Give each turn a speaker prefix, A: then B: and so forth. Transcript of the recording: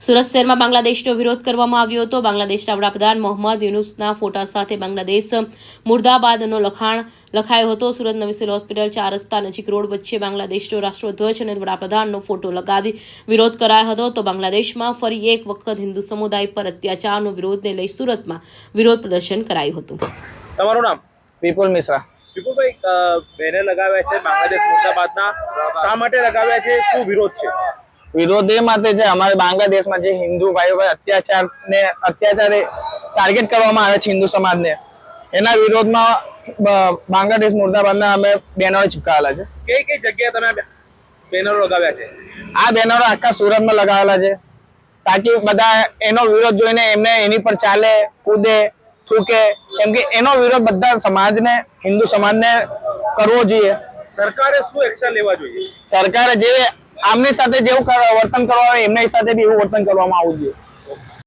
A: સુરત શહેરમાં બાંગ્લાદેશનો વિરોધ કરવામાં આવ્યો હતો। બાંગ્લાદેશના વડાપ્રધાન મોહમ્મદ યુનુસના ફોટા સાથે બાંગ્લાદેશ મુર્દાબાદનો લખાયો હતો। સુરત નવી સિવિલ હોસ્પિટલ 4 રસ્તા નજીક રોડ વચ્ચે બાંગ્લાદેશનો રાષ્ટ્રધ્વજ અને વડાપ્રધાનનો ફોટો લગાવી વિરોધ કરાયો હતો। તો બાંગ્લાદેશમાં ફરી એક વખત હિન્દુ સમુદાય પર અત્યાચારનો વિરોધને લઈ સુરતમાં વિરોધ પ્રદર્શન કરાયું હતું।
B: તમારું નામ?
C: વિપુલ મિશ્રા।
B: વિપુલભાઈ, બેનર લગાવ્યા છે બાંગ્લાદેશ મુર્દાબાદના, શા માટે લગાવ્યા છે, શું વિરોધ છે?
C: વિરોધ એ માટે છે, અમારે બાંગ્લાદેશમાં જે હિન્દુ ભાઈઓ પર અત્યાચારે ટાર્ગેટ કરવામાં આવે છે હિન્દુ સમાજને, એના વિરોધમાં બાંગ્લાદેશ મુર્દાબાદના અમે બેનરો ચિપકાવેલા છે।
B: કઈ જગ્યાએ તમે બેનરો લગાવ્યા છે?
C: આ બેનરો આખા સુરતમાં લગાવેલા છે, તાકી બધા એનો વિરોધ જોઈને એમને એની પર ચાલે, કૂદે, થૂકે, કેમ કે એનો વિરોધ બધા સમાજને, હિન્દુ સમાજને કરવો જોઈએ।
B: સરકારે શું એક્શન લેવા જોઈએ?
C: સરકારે જે આમની સાથે જેવું વર્તન કરવા આવે એમની સાથે બી એવું વર્તન કરવામાં આવવું જોઈએ।